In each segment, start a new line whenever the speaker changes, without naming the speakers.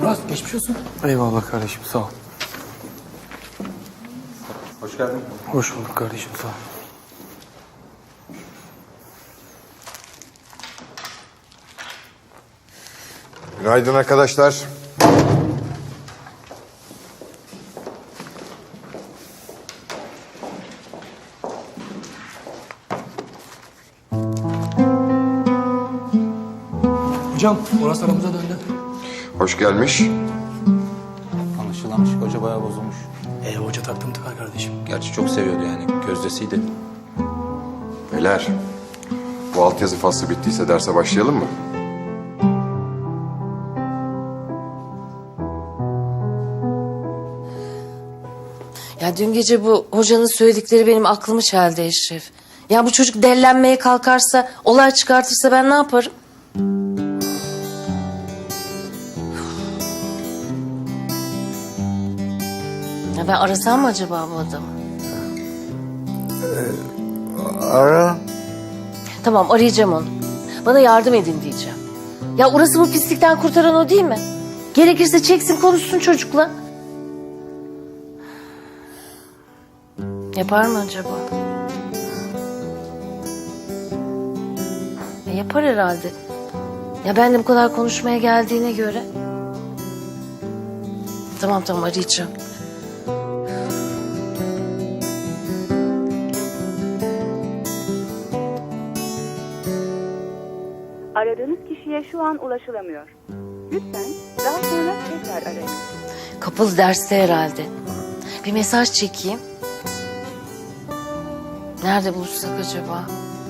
Murat geçmiş olsun.
Eyvallah kardeşim, sağ ol.
Hoş geldin.
Hoş bulduk kardeşim, sağ ol.
Günaydın arkadaşlar.
Hocam Murat aramıza döndü.
Hoş gelmiş.
Anlaşılan hoca bayağı bozulmuş.
Hoca taktım tıkar kardeşim.
Gerçi çok seviyordu yani. Gözdesiydi.
Beyler, bu altyazı faslı bittiyse derse başlayalım mı?
Ya dün gece bu hocanın söyledikleri benim aklımı çeldi Eşref. Ya bu çocuk dellenmeye kalkarsa, olay çıkartırsa ben ne yaparım? Ya ben arasam mı acaba bu adamı?
Ara.
Tamam arayacağım onu. Bana yardım edin diyeceğim. Ya orası bu pislikten kurtaran o değil mi? Gerekirse çeksin konuşsun çocukla. Yapar mı acaba? Yapar herhalde. Ya ben de bu kadar konuşmaya geldiğine göre. Tamam arayacağım.
Aradığınız kişiye şu an ulaşılamıyor. Lütfen daha sonra tekrar arayın.
Kapalı derste herhalde. Bir mesaj çekeyim. Nerede buluşsak acaba?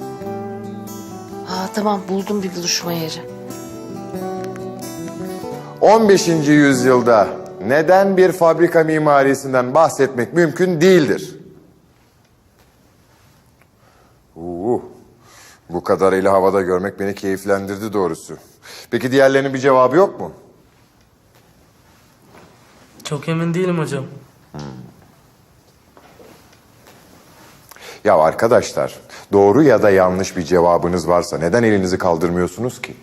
Tamam buldum bir buluşma yeri.
15. yüzyılda neden bir fabrika mimarisinden bahsetmek mümkün değildir? Bu kadarıyla havada görmek beni keyiflendirdi doğrusu. Peki diğerlerinin bir cevabı yok mu?
Çok emin değilim hocam.
Ya arkadaşlar, doğru ya da yanlış bir cevabınız varsa neden elinizi kaldırmıyorsunuz ki?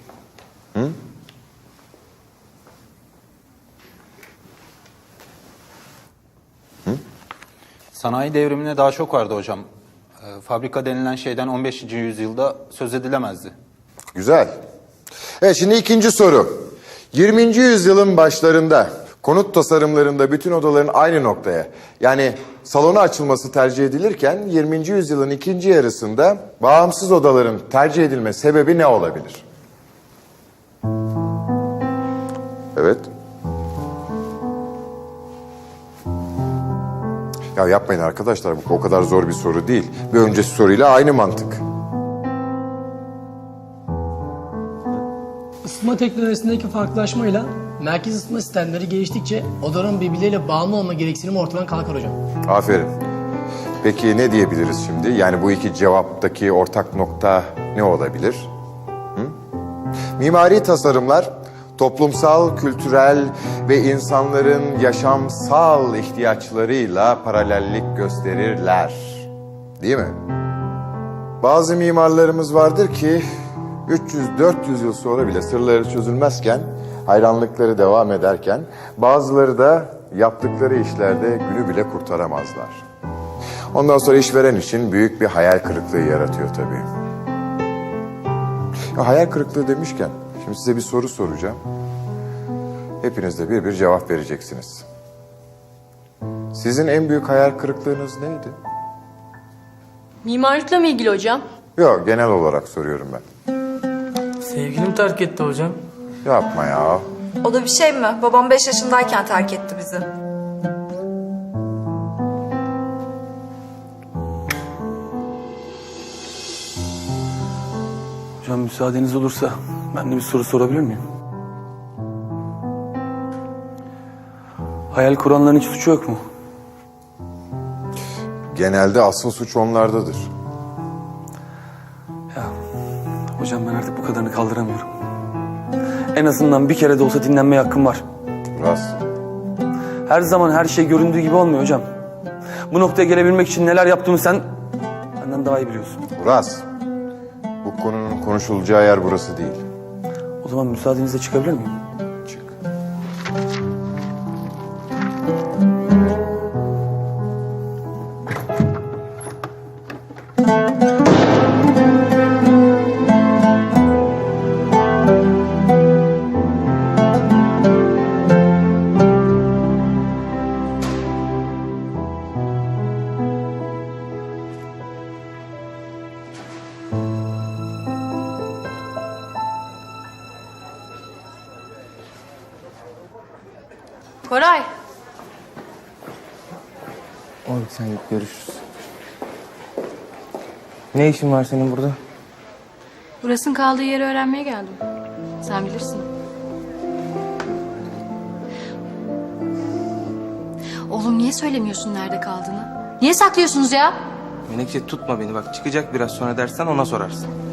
Sanayi devrimine daha çok vardı hocam. Fabrika denilen şeyden 15. yüzyılda söz edilemezdi.
Güzel. Evet, şimdi ikinci soru. 20. yüzyılın başlarında konut tasarımlarında bütün odaların aynı noktaya, yani salona açılması tercih edilirken 20. yüzyılın ikinci yarısında bağımsız odaların tercih edilme sebebi ne olabilir? Evet. Ya yapmayın arkadaşlar, bu o kadar zor bir soru değil. Bir önceki soruyla aynı mantık.
Isıtma teknolojisindeki farklılaşmayla merkez ısıtma sistemleri geliştikçe odaların birbirleriyle bağımlı olma gereksinimi ortadan kalkar hocam.
Aferin. Peki ne diyebiliriz şimdi? Yani bu iki cevaptaki ortak nokta ne olabilir? Mimari tasarımlar toplumsal, kültürel ve insanların yaşamsal ihtiyaçlarıyla paralellik gösterirler. Değil mi? Bazı mimarlarımız vardır ki 300-400 yıl sonra bile sırları çözülmezken, hayranlıkları devam ederken, bazıları da yaptıkları işlerde günü bile kurtaramazlar. Ondan sonra işveren için büyük bir hayal kırıklığı yaratıyor tabii. Ya, hayal kırıklığı demişken, şimdi size bir soru soracağım. Hepiniz de bir cevap vereceksiniz. Sizin en büyük hayal kırıklığınız neydi?
Mimarlıkla mı ilgili hocam?
Yok, genel olarak soruyorum ben.
Sevgilim terk etti hocam.
Yapma ya.
O da bir şey mi? Babam 5 yaşındayken terk etti bizi.
Hocam müsaadeniz olursa ben de bir soru sorabilir miyim? Hayal kuranların hiç suçu yok mu?
Genelde asıl suç onlardadır.
Ya hocam ben artık bu kadarını kaldıramıyorum. En azından bir kere de olsa dinlenmeye hakkım var.
Rast.
Her zaman her şey göründüğü gibi olmuyor hocam. Bu noktaya gelebilmek için neler yaptığımı sen benden daha iyi biliyorsun.
Uras, bu konunun konuşulacağı yer burası değil.
O zaman müsaadenizle çıkabilir miyim?
Çık.
Koray.
Oğlum sen git, görüşürüz. Ne işin var senin burada?
Burasının kaldığı yeri öğrenmeye geldim. Sen bilirsin. Oğlum niye söylemiyorsun nerede kaldığını? Niye saklıyorsunuz ya?
Menekşe tutma beni bak, çıkacak biraz sonra dersen ona sorarsın.